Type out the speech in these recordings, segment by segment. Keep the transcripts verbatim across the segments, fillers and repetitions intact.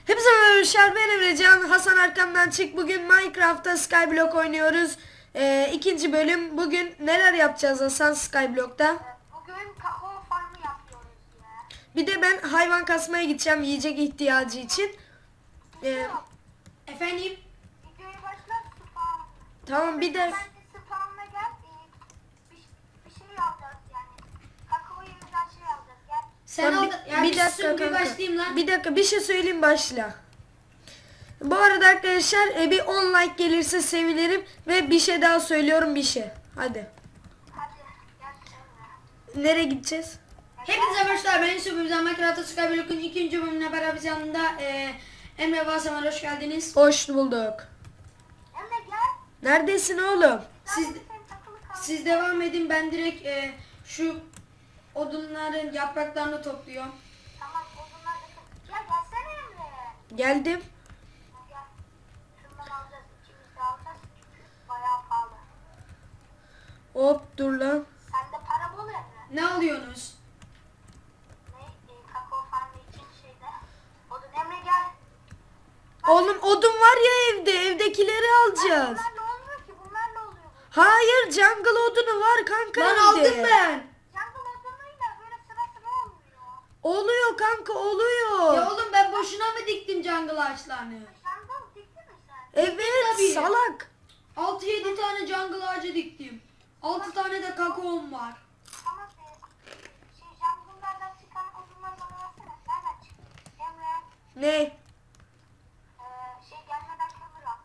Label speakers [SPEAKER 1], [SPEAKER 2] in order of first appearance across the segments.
[SPEAKER 1] Hepinize merhaba, ben Emrecan. Hasan arkamdan çık. Bugün Minecraft'ta Skyblock oynuyoruz. Ee, ikinci bölüm. Bugün neler yapacağız Hasan Skyblock'ta?
[SPEAKER 2] Bugün kakao farmı yapıyoruz ya.
[SPEAKER 1] Bir de ben hayvan kasmaya gideceğim yiyecek ihtiyacı için. Ee, efendim?
[SPEAKER 2] Videoyu başlat spam.
[SPEAKER 1] Tamam bir de...
[SPEAKER 2] Bence spamla gel. Bir, bir, bir şey alacağız yani. Kakao yerinden şey alacağız gel.
[SPEAKER 3] Sen
[SPEAKER 1] Tamam,
[SPEAKER 3] al,
[SPEAKER 1] bir,
[SPEAKER 3] ya
[SPEAKER 1] bir
[SPEAKER 3] bir
[SPEAKER 1] dakika
[SPEAKER 3] sus, bir
[SPEAKER 1] kanka.
[SPEAKER 3] başlayayım lan.
[SPEAKER 1] Bir dakika bir şey söyleyeyim başla. Bu arada arkadaşlar e, bir on like gelirse sevinirim ve bir şey daha söylüyorum bir şey. Hadi.
[SPEAKER 2] Hadi gel Emre.
[SPEAKER 1] Nereye gideceğiz?
[SPEAKER 3] Hepinize merhabalar, ben Yusuf. Bizden Minecraft'ta Skyblock'un ikinci bölümüne beraber yanında e, Emre ve Hasan var, hoş geldiniz.
[SPEAKER 1] Hoş bulduk.
[SPEAKER 2] Emre gel.
[SPEAKER 1] Neredesin oğlum?
[SPEAKER 3] Siz,
[SPEAKER 2] Sen takılı kal.
[SPEAKER 3] siz devam edin, ben direkt e, şu odunların yapraklarını topluyorum.
[SPEAKER 2] Tamam odunlar da çok. Gel gelsene Emre.
[SPEAKER 1] Geldim.
[SPEAKER 2] Gel. Şundan alacağız. İkimiz de alacağız. Çünkü bayağı pahalı.
[SPEAKER 1] Hop dur lan.
[SPEAKER 2] Sende para bol Emre.
[SPEAKER 3] Ne alıyorsunuz?
[SPEAKER 2] Ne? E, kakao farmı için şeyde. Odun Emre gel.
[SPEAKER 1] Oğlum odun var ya evde. Evdekileri alacağız.
[SPEAKER 2] Bunlarla olmuyor ki. Bunlarla oluyor bu.
[SPEAKER 1] Hayır jungle odunu var kanka
[SPEAKER 3] Lan
[SPEAKER 1] evde.
[SPEAKER 3] aldım ben.
[SPEAKER 2] Jungle odunuyla böyle sıra sıra olmuyor.
[SPEAKER 1] Oluyor kanka oluyor.
[SPEAKER 3] Ya oğlum ben boşuna mı diktim jungle ağaçlarını?
[SPEAKER 2] Jungle dikti mi sen?
[SPEAKER 1] Evet
[SPEAKER 3] tabii.
[SPEAKER 1] salak.
[SPEAKER 3] altı yedi tane jungle ağacı diktim. altı tane de kakaom var.
[SPEAKER 2] Ama e, şey jungle'lardan çıkan odunlar bana versene. Nereden çıktı? Emre
[SPEAKER 1] Ne?
[SPEAKER 2] e, şey gelmeden kömür al.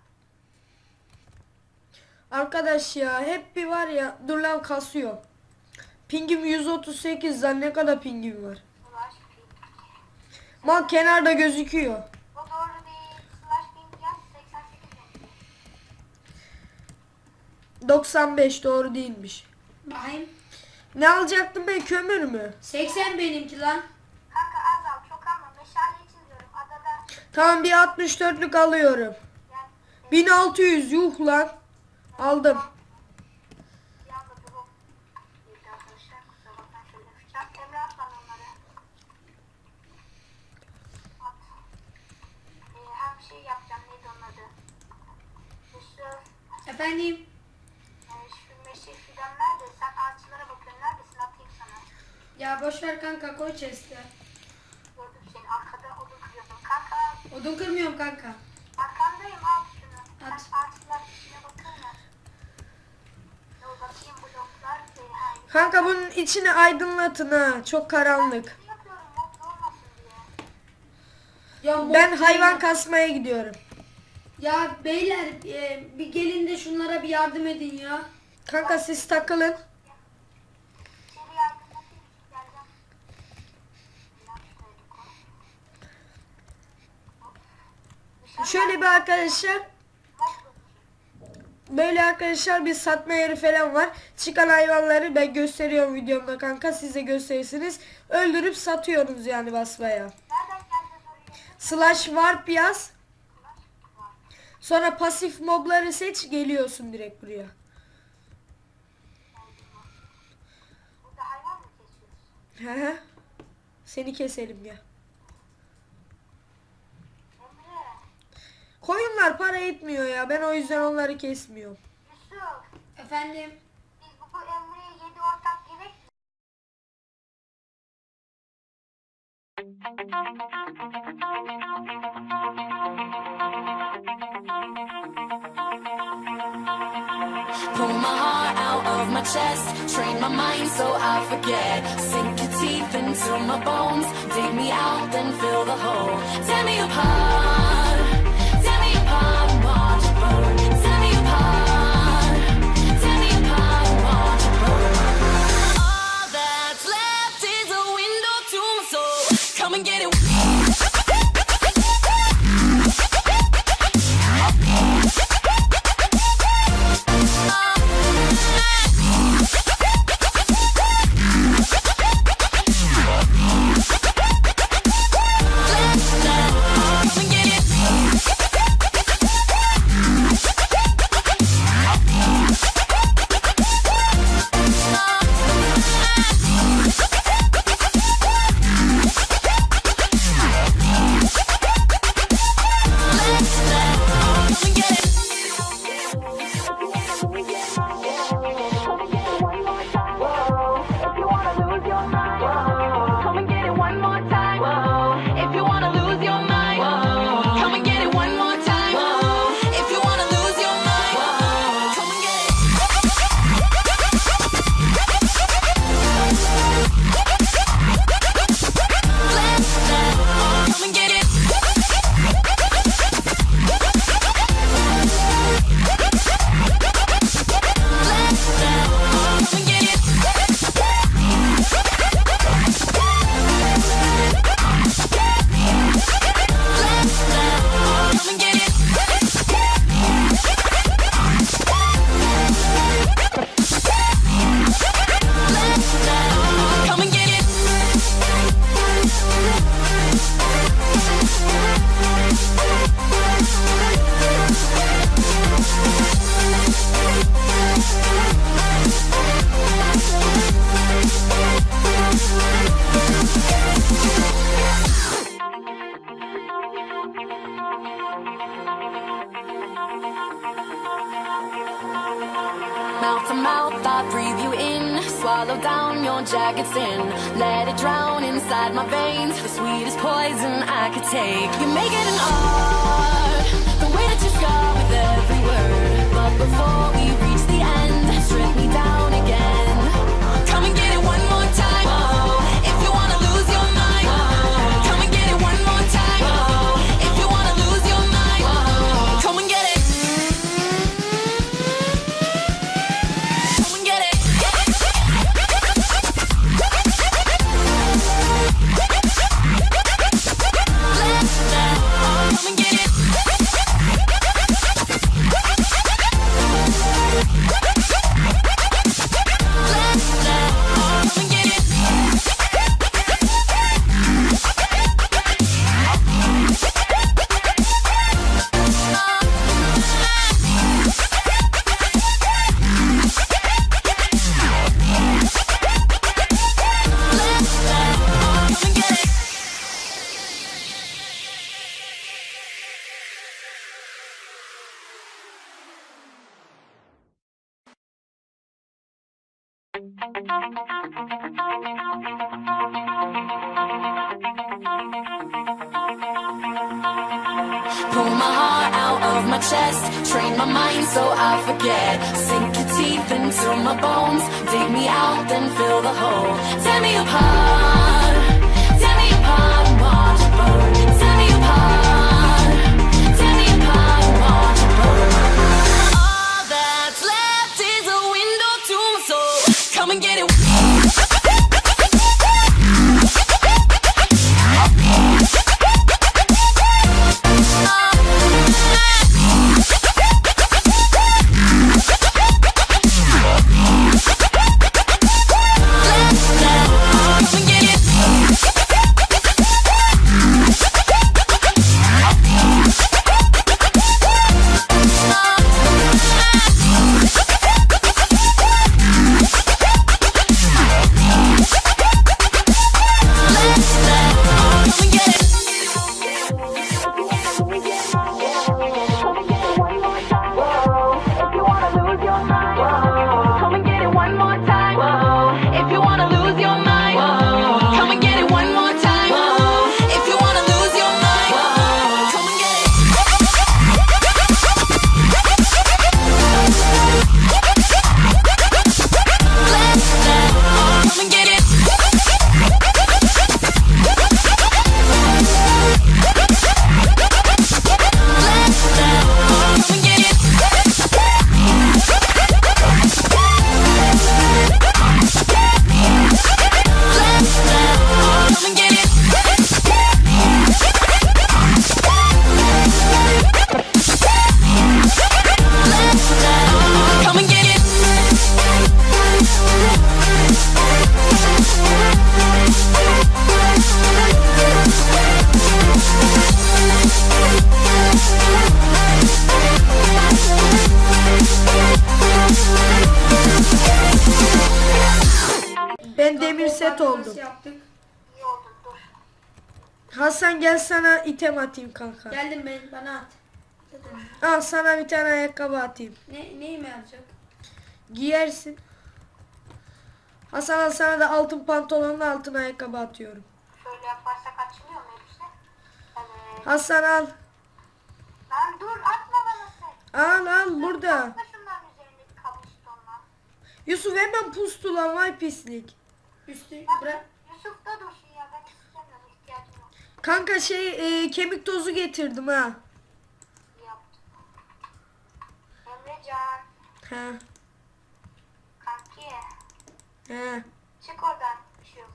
[SPEAKER 1] Arkadaş ya hep bir var ya. Dur lan kasıyor. Pingim yüz otuz sekiz lan ne kadar pingim var.
[SPEAKER 2] Slash ping.
[SPEAKER 1] Bak kenarda gözüküyor.
[SPEAKER 2] O doğru değil. Slash ping yaz seksen sekiz yapıyor.
[SPEAKER 1] doksan beş doğru değilmiş.
[SPEAKER 3] Bakayım.
[SPEAKER 1] Ne alacaktım ben kömür mü?
[SPEAKER 3] seksen benimki lan.
[SPEAKER 2] Kanka az al çok alma. Meşale için diyorum. Adada
[SPEAKER 1] Tamam bir altmış dörtlük alıyorum.
[SPEAKER 2] gel.
[SPEAKER 1] bin altı yüz yuh lan. Aldım.
[SPEAKER 2] Bir anda drop girdi arkadaşlar. Kusura bakmayın şöyle yapacağım. Emre at bana onları. At. Ee, hem şey yapacağım. Neydi onun adı? Yusuf.
[SPEAKER 3] Efendim?
[SPEAKER 2] Ee, şu meşe fidan nerede? Sen ağaçlara bakıyorsun. Neredesin? Atayım sana.
[SPEAKER 3] Ya boş ver kanka, koy chest'e.
[SPEAKER 2] Gördüm seni. Arkada odun kırıyordum. Kanka
[SPEAKER 3] Odun kırmıyorum kanka.
[SPEAKER 2] arkandayım. Al şunu.
[SPEAKER 3] At.
[SPEAKER 2] Sen ağaçlar içine bakın ya. Dur bakayım bloklar. Ee, ha,
[SPEAKER 1] Kanka bunun içini aydınlatın ha. Çok karanlık.
[SPEAKER 2] ne yapıyorum? Mutlu olmasın diye.
[SPEAKER 3] Ya mod
[SPEAKER 1] Ben
[SPEAKER 3] değil
[SPEAKER 1] hayvan
[SPEAKER 3] ya.
[SPEAKER 1] kasmaya gidiyorum.
[SPEAKER 3] Ya beyler e, bir gelin de şunlara bir yardım edin ya.
[SPEAKER 1] Kanka siz takılın.
[SPEAKER 2] İçeri yardım edeyim. Geleceğim. Biraz şöyle koy. Hop. Dışarı
[SPEAKER 1] Şöyle bir arkadaşlar. Böyle arkadaşlar bir satma yeri falan var. Çıkan hayvanları ben gösteriyorum videomda kanka. Siz de gösterirsiniz. Öldürüp satıyoruz yani basmaya.
[SPEAKER 2] nereden geleceğiz oraya?
[SPEAKER 1] Slash warp yaz.
[SPEAKER 2] Var.
[SPEAKER 1] Sonra pasif mobları seç. Geliyorsun direkt buraya.
[SPEAKER 2] Burada hayvan mı kesiyoruz?
[SPEAKER 1] Hı hı. Seni keselim ya.
[SPEAKER 2] Emre,
[SPEAKER 1] Koyunlar para etmiyor ya. Ben o yüzden onları kesmiyorum.
[SPEAKER 2] Yusuf,
[SPEAKER 3] Efendim?
[SPEAKER 2] biz bu Emre'ye yedi ortak gerek mi?
[SPEAKER 4] Pull my heart out of my chest, train my mind so I forget. Sink your teeth into my bones, dig me out, then fill the hole. Tear me apart, tear me apart, and watch it burn. Tear me apart, tear me apart, and watch it burn. All that's left is a window to my soul. Come and get it. Come and get it. from mouth, I breathe you in. Swallow down your jagged sin. Let it drown inside my veins. The sweetest poison I could take. You make it an art, the way that you scar with every word. But before we reach the end, strip me down again. Come and get it one more time. Oh, if you wanna lose your mind. Oh, come and get it one more time. Oh, if you wanna lose your mind. Oh, come and get it. Come and get it. Come and get it. Pull my heart out of my chest, train my mind so I forget. Sink your teeth into my bones, dig me out, then fill the hole. Tear me apart, tear me apart and watch it burn. Tear me apart, tear me apart and watch it burn. All that's left is a window to my soul. Come and get it.
[SPEAKER 1] Ben demir set oldum.
[SPEAKER 3] Nasıl yaptık?
[SPEAKER 2] İyi oldu dur.
[SPEAKER 1] Hasan gel sana item atayım kanka.
[SPEAKER 3] Geldim ben, bana at.
[SPEAKER 1] Al sana bir tane ayakkabı atayım.
[SPEAKER 3] Ne, neyi mi yapacak?
[SPEAKER 1] Giyersin. Hasan al sana da altın pantolonla altın ayakkabı atıyorum.
[SPEAKER 2] Şöyle yaparsak açılıyor mu hepsi? Evet.
[SPEAKER 1] Hasan al.
[SPEAKER 2] Lan dur atma bana sen.
[SPEAKER 1] Al al burada.
[SPEAKER 2] Atma şunların üzerindeki kabustonla.
[SPEAKER 1] Yusuf hemen pustu lan vay pislik.
[SPEAKER 3] Üstü
[SPEAKER 2] Bak
[SPEAKER 3] bırak.
[SPEAKER 2] Yusuf da dursun ya ben istemiyorum ihtiyacım yok.
[SPEAKER 1] Kanka şey e, kemik tozu getirdim ha.
[SPEAKER 2] İyi yaptın. Emrecan.
[SPEAKER 1] He
[SPEAKER 2] Kanki.
[SPEAKER 1] he.
[SPEAKER 2] Çık oradan. Bir şey yok.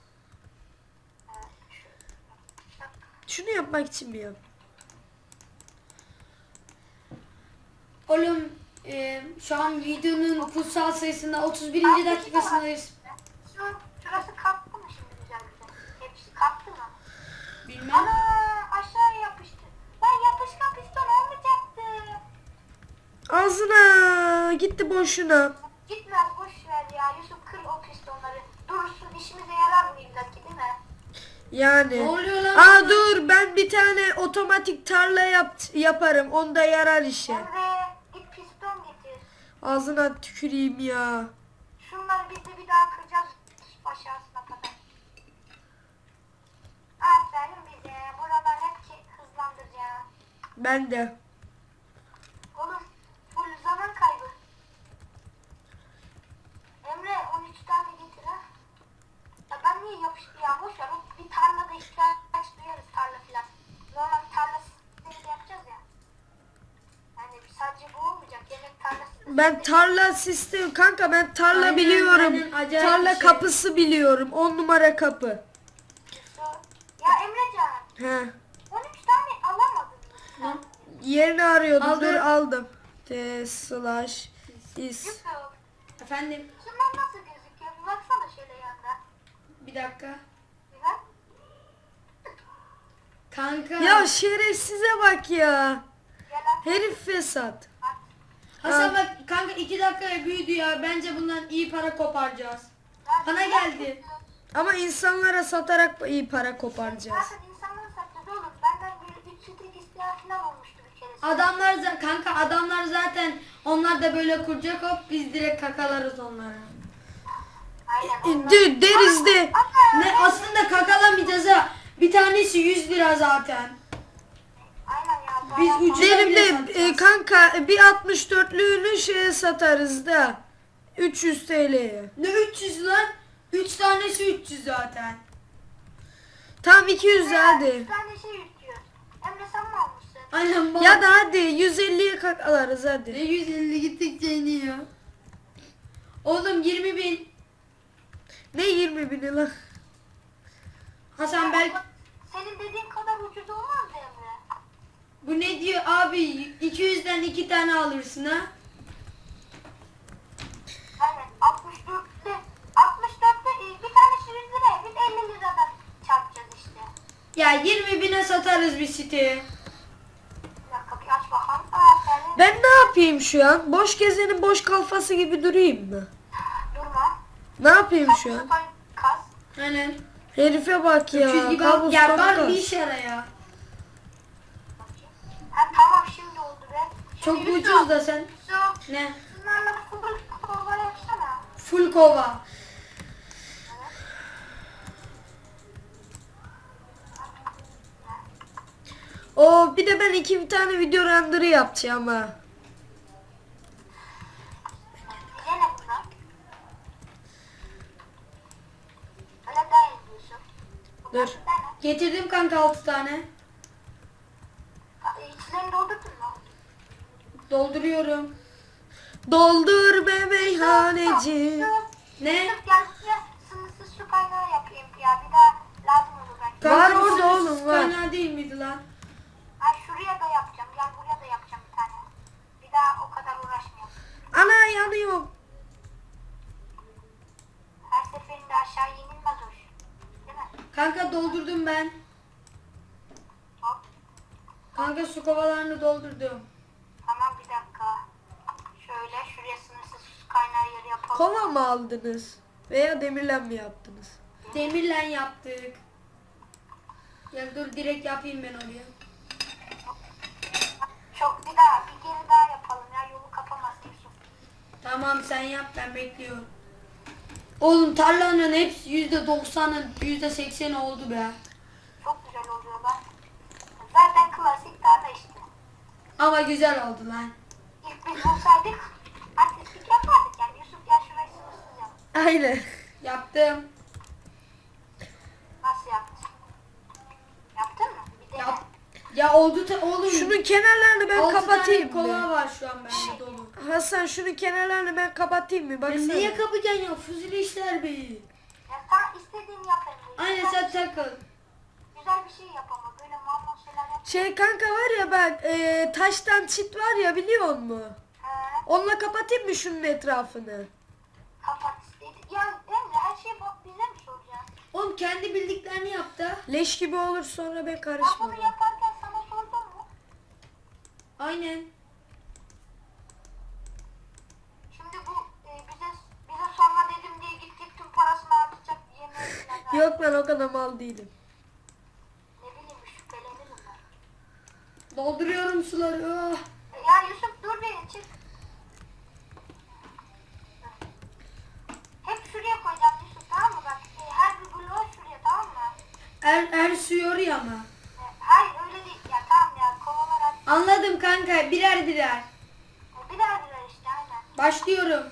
[SPEAKER 2] Evet, şu- Bak.
[SPEAKER 1] Şunu yapmak için mi yap?
[SPEAKER 3] Oğlum e, şu an videonun kutsal sayısında otuz birinci dakikasındayız.
[SPEAKER 2] Şu, şurası kalktı mı şimdi güzel güzel? Hepsi kalktı mı?
[SPEAKER 3] Bilmem.
[SPEAKER 2] Ana aşağıya yapıştı. Lan yapışkan piston olmayacaktı.
[SPEAKER 1] Ağzına gitti boşuna.
[SPEAKER 2] Gitmez boş ver ya. Yusuf kır o pistonları. Durursun işimize yarar bu illaki değil mi?
[SPEAKER 1] Yani.
[SPEAKER 3] Ne oluyor lan?
[SPEAKER 1] Aa dur ben bir tane otomatik tarla yap yaparım. Onda yarar işe.
[SPEAKER 2] Emre git piston getir.
[SPEAKER 1] Ağzına tüküreyim ya.
[SPEAKER 2] Şunları biz de bir daha kıracağız aşağısına kadar. Aferin bize. Buradan hep ki- hızlandıracağım.
[SPEAKER 1] Ben de.
[SPEAKER 2] Oğlum full zaman kaybı. Emre on üç tane getir ha. Ya ben niye yapıştı ya, boş ver. O bir tarlada ihtiyaç duyarız, tarla filan. Normal tarla sistemi de yapacağız ya. Yani sadece bu olmayacak. Yemek tarlası.
[SPEAKER 1] Ben tarla sistemi kanka, ben tarla
[SPEAKER 3] Aynen,
[SPEAKER 1] biliyorum.
[SPEAKER 3] aynen, acayip
[SPEAKER 1] Tarla
[SPEAKER 3] bir şey.
[SPEAKER 1] kapısı biliyorum. On numara kapı.
[SPEAKER 2] Ya Emrecan,
[SPEAKER 1] He.
[SPEAKER 2] on üç tane alamadın mı sen?
[SPEAKER 1] Yerini arıyordum.
[SPEAKER 3] Aldım.
[SPEAKER 1] Dur aldım. T slash is.
[SPEAKER 2] Yusuf,
[SPEAKER 3] Efendim
[SPEAKER 2] şunlar nasıl gözüküyor? Bir baksana şöyle yanda.
[SPEAKER 3] bir dakika.
[SPEAKER 2] Bir bak.
[SPEAKER 3] Kanka.
[SPEAKER 1] Ya şerefsize bak ya.
[SPEAKER 2] Gel at,
[SPEAKER 1] Herif fesat.
[SPEAKER 2] at.
[SPEAKER 3] Hasan bak kanka iki dakikaya büyüdü ya. Bence bundan iyi para koparacağız.
[SPEAKER 2] Lan
[SPEAKER 3] Bana
[SPEAKER 2] sen
[SPEAKER 3] geldi.
[SPEAKER 2] yapıyorsun.
[SPEAKER 1] Ama insanlara satarak iyi para koparacağız.
[SPEAKER 2] Zaten insanları satacağız oğlum. Benden böyle üç sitrik isteyen falan olmuştu bir kere.
[SPEAKER 3] Adamlar za- kanka adamlar zaten onlar da böyle kuracak, hop biz direkt kakalarız onlara.
[SPEAKER 2] Aynen. onlar-
[SPEAKER 1] Dü deriz de.
[SPEAKER 2] Ana,
[SPEAKER 3] Ne aslında kakalamayacağız ha. Bir tanesi yüz lira zaten.
[SPEAKER 2] Aynen ya.
[SPEAKER 3] Biz
[SPEAKER 2] bayağı
[SPEAKER 3] ucuz-
[SPEAKER 1] Derim
[SPEAKER 3] bile
[SPEAKER 1] de
[SPEAKER 3] satacağız.
[SPEAKER 1] e, kanka bir altmış dörtlüğünü şeye satarız da. üç yüz T L'ye.
[SPEAKER 3] Ne üç yüz lan? üç tanesi üç yüz zaten.
[SPEAKER 1] Tam iki yüz
[SPEAKER 2] fazla.
[SPEAKER 1] hadi.
[SPEAKER 2] Bir tane şey yüklüyor. Emre sen mi almışsın?
[SPEAKER 3] Aynen bak.
[SPEAKER 1] Ya da hadi yüz elliye kakalarız
[SPEAKER 3] Ne
[SPEAKER 1] hadi.
[SPEAKER 3] yüz elli gittikçe iniyor. Oğlum yirmi bin.
[SPEAKER 1] Ne yirmi bini lan?
[SPEAKER 3] Hasan belki
[SPEAKER 2] Senin dediğin kadar ucuz olmaz Emre.
[SPEAKER 3] bu ne diyor abi, iki yüzden iki tane alırsın ha.
[SPEAKER 2] Aynen. altmış dörtte altmış dörtte e, bir tanesi yüz liraya, biz elli liradan çarpacağız işte.
[SPEAKER 3] Ya yirmi bine satarız bir siteyi.
[SPEAKER 2] Bir dakika bir aç bakalım. Aferin.
[SPEAKER 1] Ben ne yapayım şu an? Boş gezenin boş kalfası gibi durayım mı?
[SPEAKER 2] Durma.
[SPEAKER 1] Ne yapayım şu an?
[SPEAKER 2] Spotify kas.
[SPEAKER 3] Aynen.
[SPEAKER 1] Herife bak ya.
[SPEAKER 3] üç yüz gibi al.
[SPEAKER 1] Kabus
[SPEAKER 3] Ya
[SPEAKER 1] tabaka.
[SPEAKER 3] var bir iş ara ya.
[SPEAKER 2] Bakayım. Ha tamam, şimdi oldu be. Şimdi
[SPEAKER 3] Çok
[SPEAKER 2] Yusuf,
[SPEAKER 3] ucuz da sen.
[SPEAKER 2] Yusuf,
[SPEAKER 3] Ne?
[SPEAKER 2] bunlarla full kova yapsana.
[SPEAKER 3] Full kova.
[SPEAKER 1] Oo bir de ben iki tane video render'ı yapacağım ha.
[SPEAKER 2] Bize ne bunlar? Öyle daha iyi Yusuf. Bunlar
[SPEAKER 1] Dur.
[SPEAKER 2] bir tane.
[SPEAKER 3] Getirdim kanka altı tane.
[SPEAKER 2] Ha, İçlerini doldurdun mu?
[SPEAKER 3] Dolduruyorum.
[SPEAKER 1] Doldur be meyhaneci.
[SPEAKER 2] Yusuf,
[SPEAKER 3] Ne?
[SPEAKER 2] Yusuf gel size sınırsız su kaynağı yapayım ya. Bir daha lazım olur belki.
[SPEAKER 1] Var
[SPEAKER 3] Kanka,
[SPEAKER 1] orada
[SPEAKER 3] sınırsız
[SPEAKER 1] oğlum, var.
[SPEAKER 3] Kaynağı değil miydi lan?
[SPEAKER 2] Ha, şuraya da yapacağım. Gel buraya da yapacağım bir tane. Bir daha o kadar uğraşmayalım.
[SPEAKER 1] Ana yanıyorum.
[SPEAKER 2] Her seferinde aşağı yenilmez hoş. Değil mi?
[SPEAKER 3] Kanka doldurdum ben.
[SPEAKER 2] Hop.
[SPEAKER 3] Kanka su kovalarını doldurdum.
[SPEAKER 2] Tamam bir dakika. Şöyle şuraya sınırsız su kaynağı yeri yapalım.
[SPEAKER 1] Kova mı aldınız? Veya demirlen mi yaptınız?
[SPEAKER 3] Demirle yaptık. Gel dur direkt yapayım ben oraya.
[SPEAKER 2] Çok bir daha bir geri daha yapalım ya, yolu kapamaz Yusuf.
[SPEAKER 3] Tamam sen yap, ben bekliyorum. Oğlum tarlanın hepsi yüzde doksanı yüzde sekseni oldu be.
[SPEAKER 2] Çok güzel oluyor lan. Zaten klasik tarla işte.
[SPEAKER 3] Ama güzel oldu lan.
[SPEAKER 2] İlk biz bulsaydık artistlik yapardık yani. Yusuf gel şurayı sınırsız yap.
[SPEAKER 1] Aynen.
[SPEAKER 3] Yaptım.
[SPEAKER 2] Nasıl yaptın? Yaptın mı? Bir dene.
[SPEAKER 3] Yap. Ya oldu ta oğlum.
[SPEAKER 1] Şunun kenarlarını ben
[SPEAKER 3] altı
[SPEAKER 1] kapatayım
[SPEAKER 3] tane kova
[SPEAKER 1] mı?
[SPEAKER 3] var şu an bende dolu.
[SPEAKER 1] Hasan şunun kenarlarını ben kapatayım mı?
[SPEAKER 3] Ben
[SPEAKER 1] Baksana.
[SPEAKER 3] niye kapacaksın ya? Fuzuli işler be.
[SPEAKER 2] Ya sen istediğini yap Emre.
[SPEAKER 3] Aynen
[SPEAKER 2] Güzel
[SPEAKER 3] sen
[SPEAKER 2] bir şey-
[SPEAKER 3] takıl.
[SPEAKER 2] Güzel bir şey yap ama böyle mamon şeyler yap.
[SPEAKER 1] Şey kanka var ya, ben e, taştan çit var ya, biliyor musun?
[SPEAKER 2] He,
[SPEAKER 1] Onunla kapatayım mı şunun etrafını?
[SPEAKER 2] kapat istedi. Ya Emre her şeyi bak bize mi soracaksın?
[SPEAKER 3] Oğlum kendi bildiklerini yap da.
[SPEAKER 1] Leş gibi olur sonra ben
[SPEAKER 2] Ben
[SPEAKER 1] karışmam.
[SPEAKER 2] bunu yaparken sana sordum mu?
[SPEAKER 3] Aynen.
[SPEAKER 2] Şimdi bu e, bize bize sorma dedim diye gittik tüm parasını harcayacak yemeğe falan.
[SPEAKER 1] Yok lan, o kadar mal değilim.
[SPEAKER 2] Ne bileyim, şüphelenirim ben.
[SPEAKER 3] Dolduruyorum suları. Ah.
[SPEAKER 2] E, Ya Yusuf dur bir çık.
[SPEAKER 3] mı?
[SPEAKER 2] E, hayır öyle değil. Ya tamam ya kovalarak.
[SPEAKER 3] Anladım kanka, birer birer.
[SPEAKER 2] E, birer birer işte aynen.
[SPEAKER 3] Başlıyorum.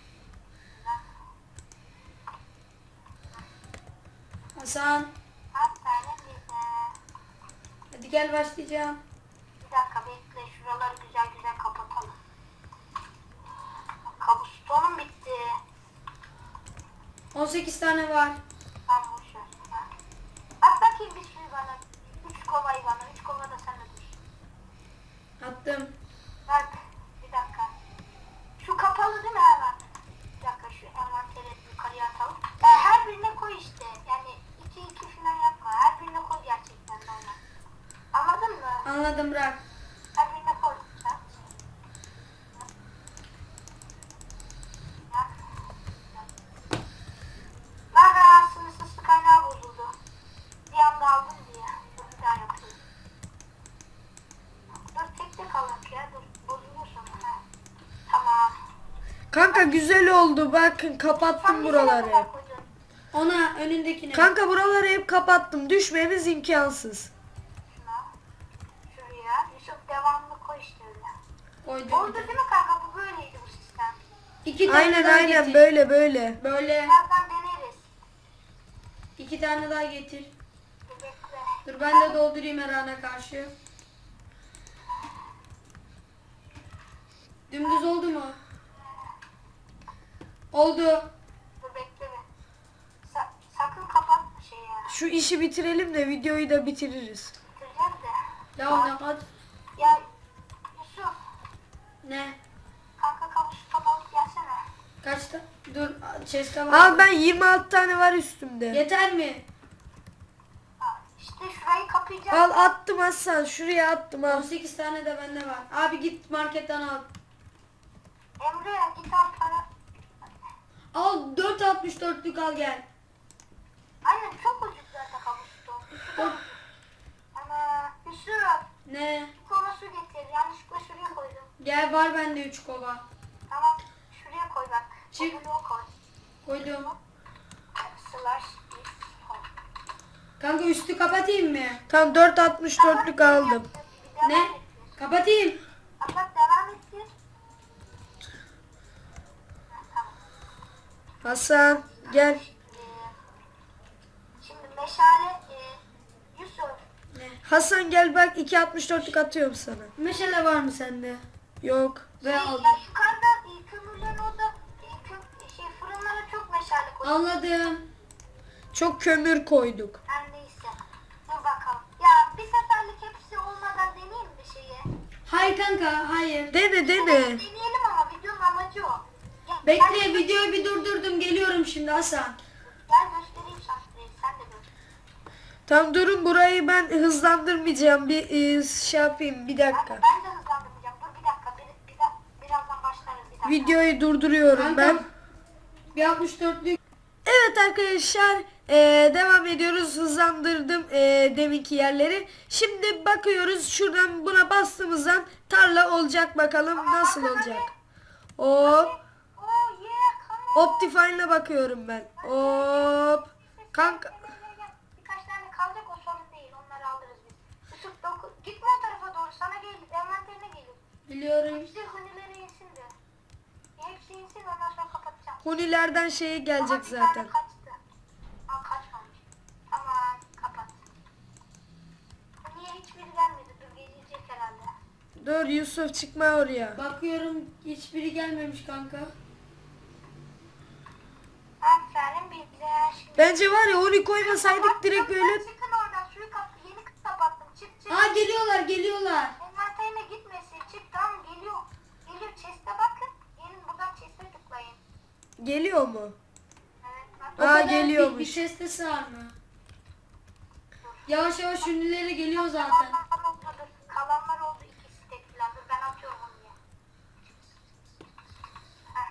[SPEAKER 3] Hasan,
[SPEAKER 2] Aferin bize.
[SPEAKER 3] hadi gel başlayacağım.
[SPEAKER 2] Bir dakika bekle şuraları güzel güzel kapatalım. Kabustonum bitti.
[SPEAKER 3] on sekiz tane var.
[SPEAKER 2] Tamam boş ver. Ha. At bakayım bir sürü bana. Üç kovayı bana. Üç kova da sen de dur.
[SPEAKER 3] Attım.
[SPEAKER 2] Bak bir dakika. Şu kapalı değil mi hemen? Bir dakika şu envanteri yukarıya atalım. Ya her birine koy işte. Yani iki iki falan yapma. Her birine koy gerçekten normal. Anladın mı?
[SPEAKER 3] Anladım, bırak.
[SPEAKER 2] Her birine koy. Sen. Ya. Lara sınırsız kaynağı bozuldu. Bir anda aldım diye. Dur bir daha yapayım. Dur tek tek alak ya. Dur bozulur sonra. Ha. Tamam.
[SPEAKER 1] Kanka güzel oldu. Bakın
[SPEAKER 2] Sen
[SPEAKER 1] kapattım
[SPEAKER 2] bir
[SPEAKER 1] buraları.
[SPEAKER 2] kadar koydun.
[SPEAKER 3] Ona önündekine.
[SPEAKER 1] Kanka buraları hep kapattım. Düşmemiz imkansız.
[SPEAKER 2] Şuna. Şuraya. Yusuf devamlı koy işte öyle.
[SPEAKER 3] Koydum.
[SPEAKER 2] Oldu değil mi kanka? Bu böyleydi bu sistem.
[SPEAKER 3] İki tane
[SPEAKER 1] Aynen
[SPEAKER 3] daha
[SPEAKER 1] aynen
[SPEAKER 3] getir.
[SPEAKER 1] böyle böyle.
[SPEAKER 3] Böyle
[SPEAKER 2] Birazdan deneriz.
[SPEAKER 3] iki tane daha getir.
[SPEAKER 2] Bir bekle.
[SPEAKER 3] Dur ben de doldurayım Erhan'a karşı. Dümdüz oldu mu? Oldu.
[SPEAKER 2] Dur bekle bir. Sa- sakın kapatma şeyi ya.
[SPEAKER 1] Şu işi bitirelim de videoyu da bitiririz.
[SPEAKER 2] Bitireceğiz de.
[SPEAKER 3] Ya ne kadar?
[SPEAKER 2] Ya Yusuf.
[SPEAKER 3] Ne?
[SPEAKER 2] Kanka kavuş alıp gelsene.
[SPEAKER 3] Kaçta? Dur chest'e var.
[SPEAKER 1] Al ben yirmi altı tane var üstümde.
[SPEAKER 3] Yeter mi?
[SPEAKER 2] Ha, İşte şurayı kapayacağız.
[SPEAKER 1] Al attım Hasan. Şuraya attım
[SPEAKER 3] on
[SPEAKER 1] al.
[SPEAKER 3] sekiz tane de bende var. Abi git marketten al.
[SPEAKER 2] Emre git al para.
[SPEAKER 3] Al dört altmış dörtlük al gel.
[SPEAKER 2] Aynen çok ucuz zaten kavuştu. Ama Yusuf.
[SPEAKER 3] Ne?
[SPEAKER 2] Bir kova su getir. Yanlışlıkla şuraya koydum.
[SPEAKER 3] Gel var bende üç kova.
[SPEAKER 2] Tamam. Şuraya koy bak.
[SPEAKER 3] Çık.
[SPEAKER 2] O bloğu koy.
[SPEAKER 3] Koydum.
[SPEAKER 2] Slash if home.
[SPEAKER 3] Kanka üstü kapatayım mı?
[SPEAKER 1] Tam dört altmış dörtlük aldım.
[SPEAKER 2] Bir devam
[SPEAKER 3] Ne?
[SPEAKER 2] ettir.
[SPEAKER 3] Kapatayım.
[SPEAKER 2] Kapat devam ettir. Ha, tamam.
[SPEAKER 1] Hasan gel.
[SPEAKER 2] Ee, Şimdi meşale e, Yusuf.
[SPEAKER 3] Ne?
[SPEAKER 1] Hasan gel bak iki altmış dörtlük atıyorum sana.
[SPEAKER 3] Meşale var mı sende?
[SPEAKER 1] Yok.
[SPEAKER 3] Ve
[SPEAKER 2] Şey,
[SPEAKER 3] aldım.
[SPEAKER 2] ya yukarıda e, kömürlerin orada e, kö, şey fırınlara çok meşale koy.
[SPEAKER 3] Anladım.
[SPEAKER 1] Çok kömür koyduk.
[SPEAKER 2] Her neyse. Dur bakalım. Ya bir seferlik hepsi olmadan deneyeyim bir şeyi.
[SPEAKER 3] Hayır kanka hayır.
[SPEAKER 1] Dene dene.
[SPEAKER 2] Deneyelim ama videonun amacı o. Gel,
[SPEAKER 3] Bekle
[SPEAKER 2] gel,
[SPEAKER 3] videoyu bir durdurdum geliyorum şimdi Hasan.
[SPEAKER 2] Gel göstereyim şanslayı. Sen de gör.
[SPEAKER 1] Tam durun burayı ben hızlandırmayacağım. Bir e, şey yapayım bir
[SPEAKER 2] Ben,
[SPEAKER 1] dakika.
[SPEAKER 2] ben de hızlandırmayacağım. Dur bir dakika. Bir, bir, da- birazdan başlarız bir dakika.
[SPEAKER 1] Videoyu durduruyorum
[SPEAKER 3] Kanka
[SPEAKER 1] ben.
[SPEAKER 3] bir altmış dörtlük.
[SPEAKER 1] Evet arkadaşlar e, devam ediyoruz. Hızlandırdım e, deminki yerleri. Şimdi bakıyoruz şuradan buna bastığımızdan tarla olacak bakalım nasıl olacak. Hop.
[SPEAKER 2] Oh yeah. Come on.
[SPEAKER 1] Optifine'la bakıyorum ben. Hop. Kanka.
[SPEAKER 2] Gel, gel, gel. Birkaç tane kalacak o sorun değil. Onları alırız biz. Yusuf doku. Gitme o tarafa doğru. Sana gelir. Envanterine gelir.
[SPEAKER 3] Biliyorum.
[SPEAKER 2] Hepsi hunileri insin de. Hepsi insin ondan sonra kapatacağım.
[SPEAKER 1] Hunilerden şeye
[SPEAKER 2] Ama
[SPEAKER 1] gelecek
[SPEAKER 2] bir
[SPEAKER 1] zaten.
[SPEAKER 2] tane kaçtı. Aa kaçmamış. Tamam kapat. Niye hiçbiri gelmedi? Dur gelecek herhalde.
[SPEAKER 1] Dur Yusuf çıkma oraya.
[SPEAKER 3] Bakıyorum hiçbiri gelmemiş kanka.
[SPEAKER 2] Aferin bize. Şimdi...
[SPEAKER 1] Bence var ya onu koymasaydık direkt böyle.
[SPEAKER 2] Çıkın oradan. Suyu kap yeni kapattım. Çık çık.
[SPEAKER 3] Aa geliyorlar geliyorlar.
[SPEAKER 2] Envanterine gitmesin. Çık tamam geliyor. Geliyor chest'e bakın. Gelin buradan chest'e tıklayın.
[SPEAKER 1] Geliyor mu?
[SPEAKER 2] Evet bak.
[SPEAKER 3] O
[SPEAKER 1] Aa,
[SPEAKER 3] kadar
[SPEAKER 1] geliyormuş.
[SPEAKER 3] Bir, bir chest'e sığar mı? Yavaş yavaş ünlüleri geliyor zaten.
[SPEAKER 2] Kalanlar oldu, dur. Kalanlar oldu ikisi tek falan. Dur ben atıyorum onu ya. Heh.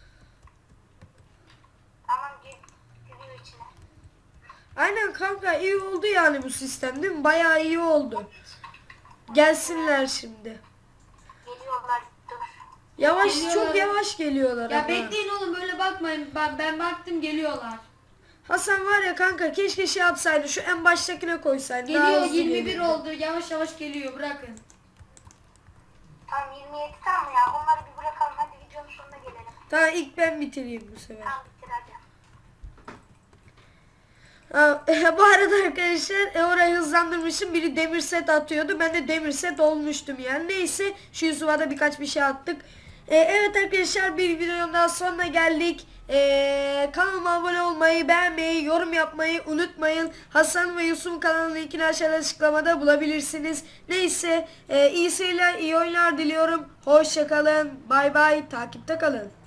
[SPEAKER 2] Tamam gir. Giriyor içine.
[SPEAKER 1] Aynen kanka iyi oldu yani bu sistem değil mi? Bayağı iyi oldu. Gelsinler şimdi.
[SPEAKER 2] Geliyorlar dur.
[SPEAKER 1] Yavaş
[SPEAKER 3] Geliyorlar.
[SPEAKER 1] çok yavaş geliyorlar.
[SPEAKER 3] Ya
[SPEAKER 1] ama.
[SPEAKER 3] bekleyin oğlum böyle bakmayın. Ben, ben baktım geliyorlar.
[SPEAKER 1] Hasan var ya kanka keşke şey yapsaydı. Şu en baştakine koysaydı. daha
[SPEAKER 3] Geliyor
[SPEAKER 1] hızlı
[SPEAKER 3] yirmi bir
[SPEAKER 1] gelirdi.
[SPEAKER 3] oldu. Yavaş yavaş geliyor bırakın.
[SPEAKER 2] Tamam yirmi yedi tamam ya. Onları bir bırakalım. Hadi videonun sonuna gelelim.
[SPEAKER 1] Tamam ilk ben bitireyim bu sefer.
[SPEAKER 2] Tamam bitir hadi.
[SPEAKER 1] Ha, bu arada arkadaşlar e, orayı hızlandırmışım. Biri demir set atıyordu. Ben de demir set olmuştum yani. Neyse şu Yusuf'a da birkaç bir şey attık. E, evet arkadaşlar bir videonun daha sonuna geldik. E, kanalıma abone olmayı, beğenmeyi, yorum yapmayı unutmayın. Hasan ve Yusuf'un kanalının linkini aşağıda açıklamada bulabilirsiniz. Neyse e, iyi seyirler, iyi oyunlar diliyorum. Hoşçakalın. Bay bay. Takipte kalın.